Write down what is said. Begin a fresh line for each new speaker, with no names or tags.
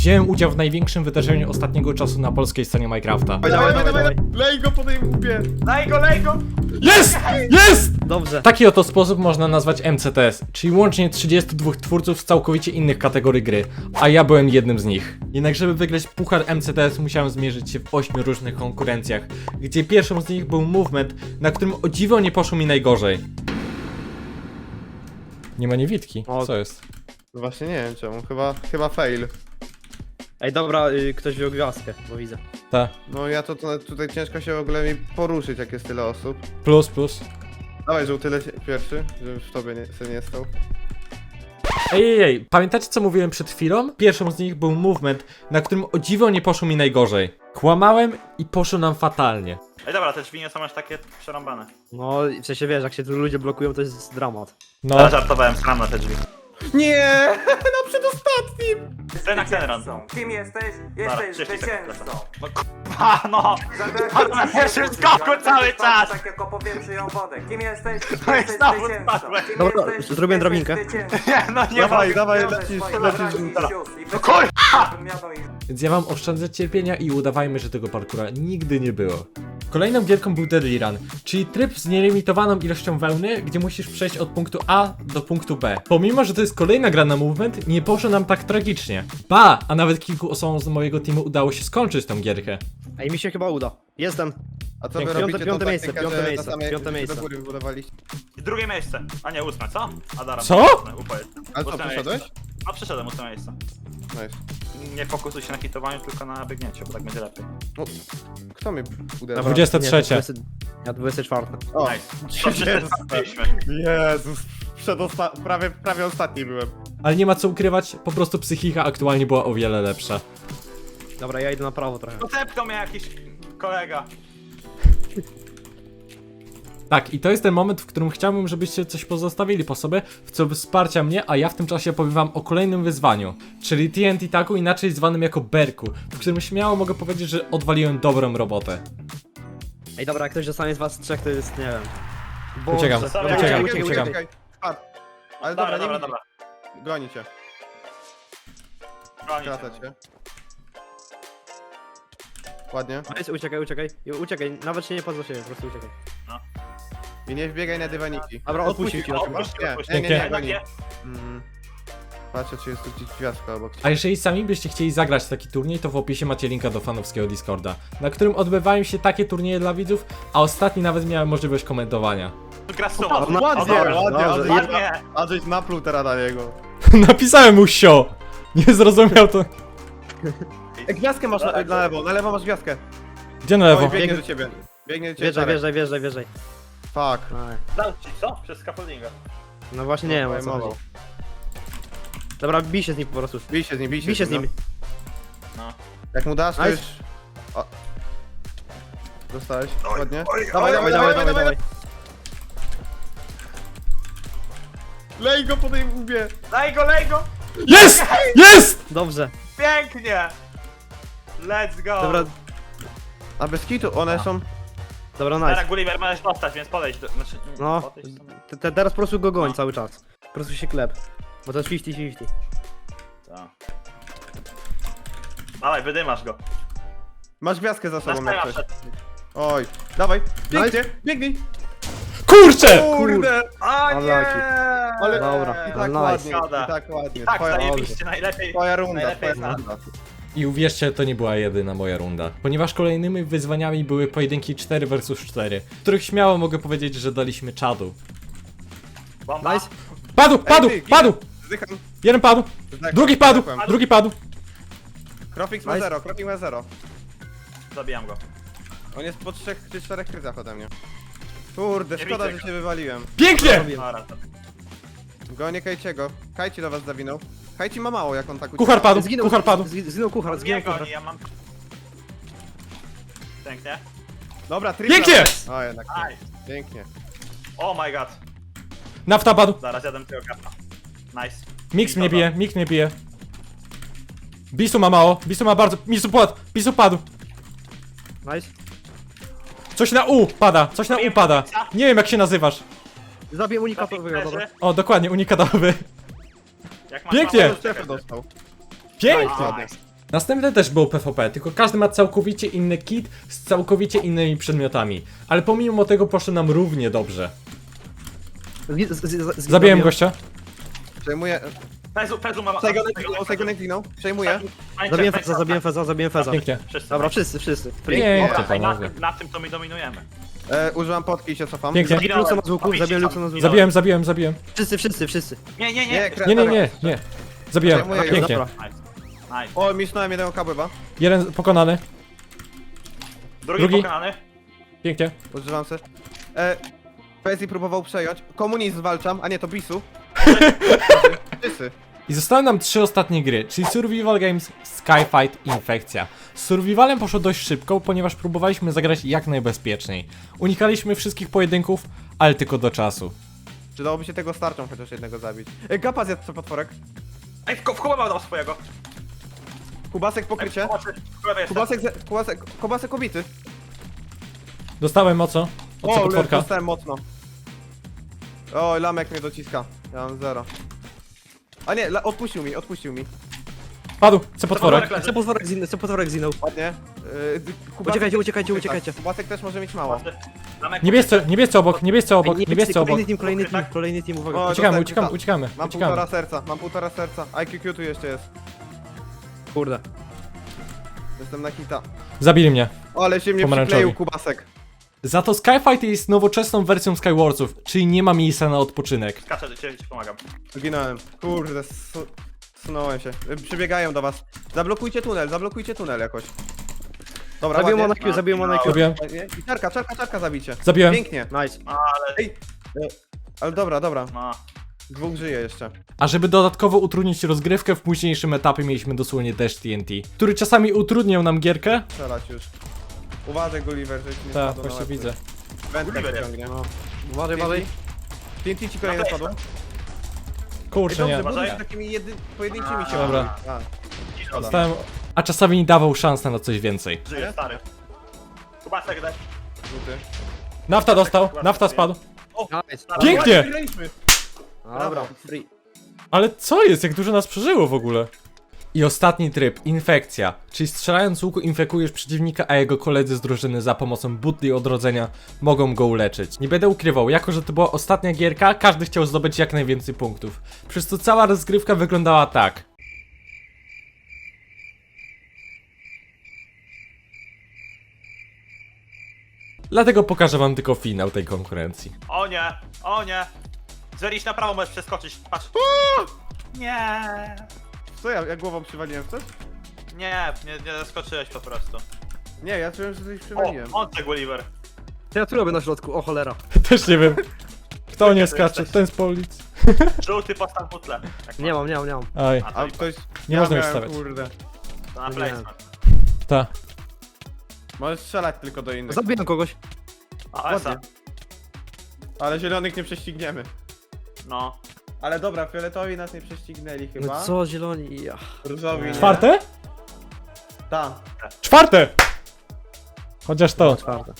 Wziąłem udział w największym wydarzeniu ostatniego czasu na polskiej scenie Minecrafta.
Dawaj. Lej go po tej łbie.
Lej go!
Jest! Jest!
Dobrze.
Taki oto sposób można nazwać MCTS, czyli łącznie 32 twórców z całkowicie innych kategorii gry, a ja byłem jednym z nich. Jednak żeby wygrać puchar MCTS musiałem zmierzyć się w 8 różnych konkurencjach, gdzie pierwszą z nich był Movement, na którym o dziwo nie poszło mi najgorzej. Nie ma niewidki,
O.
co jest?
No właśnie nie wiem czemu, chyba fail.
Ej, dobra, ktoś wziął gwiazdkę, bo widzę.
Ta,
No ja tutaj ciężko się w ogóle mi poruszyć, jak jest tyle osób.
plus.
Dawaj, żółty pierwszy, żeby w tobie nie stał.
Ej, pamiętacie co mówiłem przed chwilą? Pierwszą z nich był Movement, na którym o dziwo nie poszło mi najgorzej. Kłamałem i poszło nam fatalnie.
Ej dobra, te drzwi nie są aż takie przerąbane.
No, w sensie wiesz, jak się tu ludzie blokują, to jest dramat.
No,
Ja żartowałem, skram na te drzwi.
Nie! Na przedostatnim!
Ten na ten run.
Kim jesteś?
Dobra,
Jesteś
30 sekund
zwycięzcą.
No k***a, no! Na pierwszym skoku cały czas!
Tak jak opowiem przyjął wodę. Kim jesteś?
No i
Jesteś
znowu
zwycięzcą.
spadłem.
Kim
Dobra,
jesteś?
zrobię
Jesteś
drabinkę.
zwycięzcą.
Nie, no nie ma.
Dawaj,
Wiążę
lecisz
swoich braci i
żółta.
sióstr i
No kurwa!
wymianą ich.
więc ja wam oszczędzę cierpienia i udawajmy, że tego parkura nigdy nie było. Kolejną gierką był Deadly Run, czyli tryb z nielimitowaną ilością wełny, gdzie musisz przejść od punktu A do punktu B. Pomimo, że to jest kolejna gra na Movement, nie poszło nam tak tragicznie. Ba, a nawet kilku osobom z mojego teamu udało się skończyć tą gierkę.
Ej, mi się chyba uda. Jestem.
A co wy
Piąte-
robicie?
piąte
tą
miejsce,
taktykę,
piąte
że
miejsce,
na samej-
piąte miejsce.
do góry wybudowaliście.
I drugie miejsce. A nie, 8, co? Adara.
Co?
Ale co,
Ósme
przeszedłeś?
miejsce. No przeszedłem 8 miejsce.
Nice.
Nie fokusuj się na hitowaniu, tylko na biegnięciu, bo tak będzie lepiej.
No, kto mnie uderzył?
Dobra,
23.
nie, 20 Ja 24.
O,
Nice. To przeczytaliśmy.
Jezus, prawie ostatni byłem.
Ale nie ma co ukrywać, po prostu psychika aktualnie była o wiele lepsza.
Dobra, ja idę na prawo trochę.
Zepnął mnie jakiś kolega.
Tak, i to jest ten moment, w którym chciałbym, żebyście coś pozostawili po sobie, w co wsparcia mnie, a ja w tym czasie powiem wam o kolejnym wyzwaniu, czyli TNT Taku, inaczej zwanym jako Berku, w którym śmiało mogę powiedzieć, że odwaliłem dobrą robotę.
Ej, dobra, jak ktoś dostanie z was trzech, to jest, nie wiem. Boże.
Uciekam,
Dobra,
uciekam,
uciekaj.
Spadł. Ale
Dobra,
dobra,
dobra.
Goni cię,
Bronić.
krata cię. Ładnie.
Nice, uciekaj, nawet się nie pozwól siebie, po prostu uciekaj.
I nie wbiegaj na dywaniki.
Dobra, odpuścił ci,
Nie, goni.
Nie.
Patrzę, czy jest tu gdzieś gwiazdka obok ciebie.
A jeżeli sami byście chcieli zagrać taki turniej, to w opisie macie linka do fanowskiego Discorda, na którym odbywają się takie turnieje dla widzów, a ostatni nawet miałem możliwość komentowania.
Gra suma.
Ładnie,
Dobrze,
ładnie,
dobrze.
Ładnie.
a żeś napluł teraz na niego.
Napisałem mu sio! Nie zrozumiał to.
Gwiazdkę masz na lewo masz gwiazdkę.
Gdzie na
Oj,
lewo?
biegnie do ciebie. Biegnie do ciebie.
Wjeżdżaj.
Fuck.
Aj.
Dał ci, co? Przez scaffoldinga.
No właśnie nie wiem, o co chodzi. Dobra, bij się z nim po prostu.
Bij się z nim,
Bij się z nim.
No.
Jak mu dasz, to
Nice.
już... O. Dostałeś? Ładnie.
Dawaj.
Lej go po tej łbie.
Lej go!
Jest! Jest!
Dobrze.
Pięknie! Let's go!
Dobra,
A bez kitu, one są...
dobra,
Teraz
nice.
Gulliver możesz dostać, więc podejdź do... Znaczy,
No,
podejdź do...
teraz po prostu go goń cały czas. Po prostu się klep. Bo to jest 50-50.
Tak. Dawaj, wydymasz go.
Masz gwiazdkę za sobą jak
Następna
coś.
przed...
Oj. Dawaj. Biegnie, biegnij.
Kurczę!
Kurde.
O nie!
Ale
Dobra,
i tak
nice.
ładnie,
Szkoda.
i tak ładnie.
I tak,
Twoja,
zajebiście, najlepiej.
twoja runda,
Najlepiej
twoja
jest
runda.
I uwierzcie, to nie była jedyna moja runda. Ponieważ kolejnymi wyzwaniami były pojedynki 4 vs 4, w których śmiało mogę powiedzieć, że daliśmy czadu.
Bomba.
Nice.
Padł! Padł!
Zdycham.
Jeden padł!
Zdechłem,
Drugi padł!
zdechłem.
Drugi padł!
Krofix ma
Nice.
0, Krofix ma 0.
Zabijam go.
On jest po 3 czy 4 kryzach ode mnie. Kurde,
Nie
szkoda,
widzę
że
go.
się wywaliłem.
Pięknie!
Dobra, to...
Gonię Kajciego. Kajci do was zawinął. Kajci ma mało, jak on tak ucieka.
Kuchar padł!
Zginął,
Kuchar padł!
Zginął kuchar, zginął
Nie goni,
kuchar.
ja mam... Pięknie.
Dobra, tripla.
Pięknie!
O, jednak nie.
Nice.
Pięknie.
Oh my god.
Nafta padł!
Zaraz jadę tego kapa. Nice.
Mix mnie bije. Bisu ma mało, Bisu ma bardzo... Bisu padł!
Nice.
Coś na U pada, coś na U pada. Nie wiem jak się nazywasz.
Zabiję unikatowego, dobra.
O, dokładnie, unikatowy.
Jak masz
Pięknie!
mało,
Strefę dostał.
Pięknie!
Nice.
Następne też było PvP, tylko każdy ma całkowicie inny kit z całkowicie innymi przedmiotami. Ale pomimo tego poszło nam równie dobrze. Zabiłem gościa.
Przejmuję.
Pezu ma...
Sejgonek zginął. Przejmuję.
Zabiłem Feza.
Pięknie.
Wszyscy.
Dobra, wszyscy.
Pięknie,
Dobra, i
panowie.
na tym to my dominujemy.
Używam potki i się cofam.
Pięknie.
Zabiłem Luxona z łuku, zabiłem Luxona z łuku.
Zabiłem.
Wszyscy.
Nie.
Nie. Zabiłem.
Przejmuję go.
Pięknie.
Dobra.
Nice.
O, misnąłem jednego kabłyba.
Jeden pokonany.
Drugi
Drugi.
pokonany.
Pięknie.
Używam se. Pezzi próbował przejąć. Komunizm zwalczam, a nie, to Bisu. Wszyscy.
I zostały nam 3 ostatnie gry, czyli Survival Games, Skyfight i Infekcja. Z Survivalem poszło dość szybko, ponieważ próbowaliśmy zagrać jak najbezpieczniej. Unikaliśmy wszystkich pojedynków, ale tylko do czasu.
Czy dałoby się tego starczą chociaż jednego zabić? Gapa zjadł co potworek.
Ej, w Kubę dał swojego.
Kubasek pokrycie. Kubasek obity.
Dostałem mocno od
O,
potworka.
dostałem mocno. O, lamek mnie dociska. Ja mam 0. A nie, odpuścił mi.
Padł, co potworek.
Co potworek zginął.
Ładnie.
Uciekajcie.
Kubasek też może mieć mało.
Niebiescy obok, niebiescy obok.
Kolejny team, uwaga.
O,
Uciekamy.
Mam półtora serca. IQQ tu jeszcze jest.
Kurde.
Jestem na hita.
Zabili mnie.
O, ale się mnie
Pomarańczowi.
przykleił Kubasek.
Za to Skyfight jest nowoczesną wersją Skywarsów, czyli nie ma miejsca na odpoczynek.
Skaczę, ci pomagam.
Zginąłem. Kurde, sunąłem się. Przybiegają do was. Zablokujcie tunel jakoś. Dobra,
Zabiłem
ładnie.
Monakio, zabiłem Monakio.
Zabiłem.
Ładnie. I czarka zabicie.
Zabiłem.
Pięknie.
Nice.
Ej, ale dobra.
No.
2 żyje jeszcze.
A żeby dodatkowo utrudnić rozgrywkę, w późniejszym etapie mieliśmy dosłownie deszcz TNT, który czasami utrudniał nam gierkę.
Strzelać już. Uważaj, Gulliver, że ci nie
Tak,
spadło na
właśnie
łeb.
widzę.
Wędkę
Gulliver
wyciągnie.
Uważaj.
TNT ci kolejne spadło. Ej,
Kurczę, nie.
dobrze, buduj takimi pojedynczymi się.
Dobra.
A,
Dostałem... A czasami nie dawał szans na coś więcej.
Żyje, stary. Kubasek daj.
rzuty.
Nafta dostał, nafta spadł.
Nice.
Pięknie!
Wygraliśmy.
Dobra, free.
Ale co jest? Jak dużo nas przeżyło w ogóle? I ostatni tryb, infekcja, czyli strzelając z łuku infekujesz przeciwnika, a jego koledzy z drużyny za pomocą butli odrodzenia mogą go uleczyć. Nie będę ukrywał, jako że to była ostatnia gierka, każdy chciał zdobyć jak najwięcej punktów. Przez to cała rozgrywka wyglądała tak. Dlatego pokażę wam tylko finał tej konkurencji.
O nie. Zwerić na prawo, możesz przeskoczyć. Patrz. Nie.
Co ja głową przywaliłem w coś?
Nie zaskoczyłeś po prostu.
Nie, ja czułem, że coś
O,
przywaliłem.
on te Gulliver.
Co ja tu robię na środku? O cholera.
Też nie wiem. Kto nie skacze? Ten z policji.
Żółty postaw butle. Tak
Nie mam.
Aj,
A
A
to
ktoś...
Nie
ja
można już
miałem,
stawiać.
Kurde.
na placement.
ta.
Możesz strzelać tylko do innych.
Zabiłem kogoś.
A,
Ładnie.
Esa.
Ale zielonych nie prześcigniemy.
No.
Ale dobra, fioletowi nas nie prześcignęli chyba.
No co, zieloni? Ja.
Różowi nie.
Czwarte?
Ta.
Czwarte! Chociaż to.
Czwarte.